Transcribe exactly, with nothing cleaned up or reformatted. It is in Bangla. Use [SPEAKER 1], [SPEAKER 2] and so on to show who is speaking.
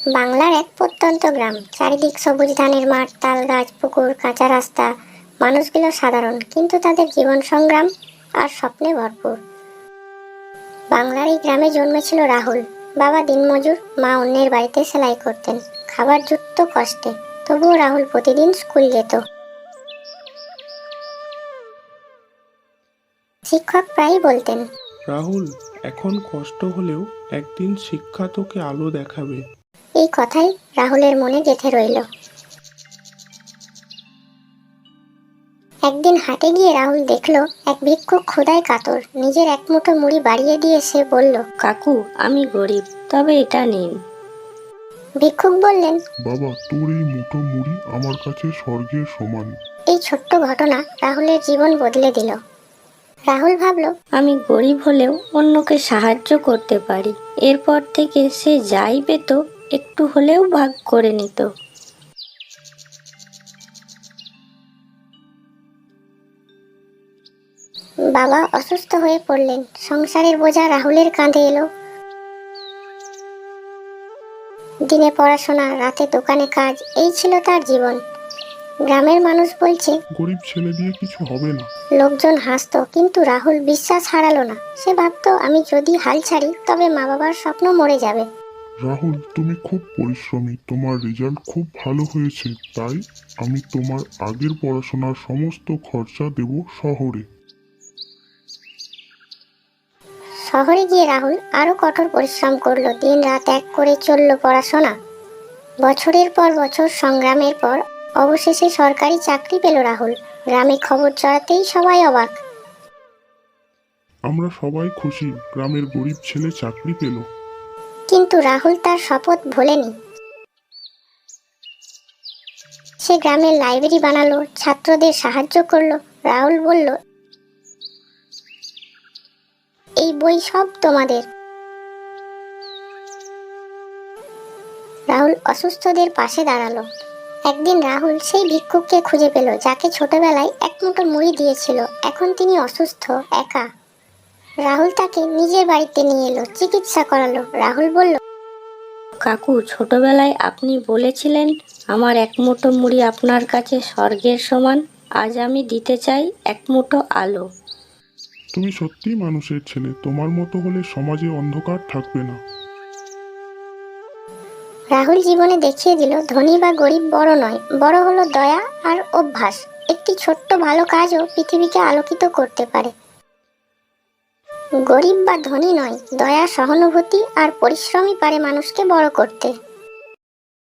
[SPEAKER 1] বাংলার এক প্রত্যন্ত গ্রাম, চারিদিক সবুজ ধানের মাঠ, তাল গাছ, পুকুর, কাঁচা রাস্তা। মানুষগুলো সাধারণ, কিন্তু তাদের জীবন সংগ্রাম আর স্বপ্নে ভরপুর। বাংলার এই গ্রামে জন্মেছিল রাহুল। বাবা দিনমজুর, মা অন্যের বাড়িতে সেলাই করতেন। খাবার জুটত কষ্টে, তবুও রাহুল প্রতিদিন স্কুল যেত। শিক্ষক প্রায়ই বলতেন,
[SPEAKER 2] রাহুল, এখন কষ্ট হলেও একদিন শিক্ষা তোকে আলো দেখাবে।
[SPEAKER 1] এই কথাই রাহুলের মনে গেঁথে রইল। একদিন হাটে গিয়ে রাহুল দেখল এক ভিক্ষুক ক্ষুধায় কাতর। নিজের এক মুঠো মুড়ি বাড়িয়ে দিয়ে সে বলল,
[SPEAKER 3] কাকু, আমি গরিব, তবে এটা নিন।
[SPEAKER 1] ভিক্ষুক বললেন,
[SPEAKER 4] বাবা, তোর এই মুঠো মুড়ি আমার কাছে স্বর্গের সমান।
[SPEAKER 1] এই ছোট্ট ঘটনা রাহুলের জীবন বদলে দিল। রাহুল ভাবল,
[SPEAKER 3] আমি গরিব হলেও অন্যকে সাহায্য করতে পারি। এরপর থেকে সে যাই পেত একটু হলেও ভাগ করে নিত।
[SPEAKER 1] বাবা অসুস্থ হয়ে পড়লেন। সংসারের বোঝা রাহুলের কাঁধে এলো। দিনে পড়াশোনা, রাতে দোকানে কাজ, এই ছিল তার জীবন। গ্রামের মানুষ বলছে,
[SPEAKER 4] গরিব ছেলে দিয়ে কিছু হবে না।
[SPEAKER 1] লোকজন হাসতো, কিন্তু রাহুল বিশ্বাস হারালো না। সে ভাবতো, আমি যদি হাল ছাড়ি তবে মা বাবার স্বপ্ন মরে যাবে।
[SPEAKER 4] রাহুল, তুমি খুব পরিশ্রমী, তোমার রেজাল্ট খুব ভালো হয়েছে, তাই আমি তোমার আগের পড়াশোনার সমস্ত খরচা দেব শহরে।
[SPEAKER 1] শহরে গিয়ে রাহুল আরো কঠোর পরিশ্রম করলো। দিন রাত এক করে চলল পড়াশোনা। বছরের পর বছর সংগ্রামের পর অবশেষে সরকারি চাকরি পেল রাহুল। গ্রামে খবর ছড়াতেই সবাই অবাক।
[SPEAKER 4] আমরা সবাই খুশি, গ্রামের গরিব ছেলে চাকরি পেল।
[SPEAKER 1] কিন্তু রাহুল তার শপথ ভোলেনি। সে গ্রামের লাইব্রেরি বানালো, ছাত্রদের সাহায্য করলো। রাহুল বলল, এই বই সব তোমাদের। রাহুল অসুস্থদের পাশে দাঁড়ালো। একদিন রাহুল সেই ভিক্ষুককে খুঁজে পেল, যাকে ছোটবেলায় এক মুঠো মুড়ি দিয়েছিল। এখন তিনি অসুস্থ, একা। রাহুল তাকে নিজের বাড়িতে নিয়ে এলো, চিকিৎসা করালো। রাহুল বলল,
[SPEAKER 3] কাকু, ছোটবেলায় আপনি বলেছিলেন আমার এক মুঠো মুড়ি আপনার কাছে স্বর্গের সমান। আজ আমি দিতে চাই এক মুঠো আলো।
[SPEAKER 4] তুমি সত্যিই মানুষের ছেলে, তোমার মতো হলে সমাজে অন্ধকার থাকবে না।
[SPEAKER 1] রাহুল জীবনে দেখিয়ে দিল, ধনী বা গরিব বড় নয়, বড় হলো দয়া আর অভ্যাস। একটি ছোট্ট ভালো কাজও পৃথিবীকে আলোকিত করতে পারে। গরিব বা ধনী নয়, দয়া, সহানুভূতি আর পরিশ্রমই পারে মানুষকে বড় করতে।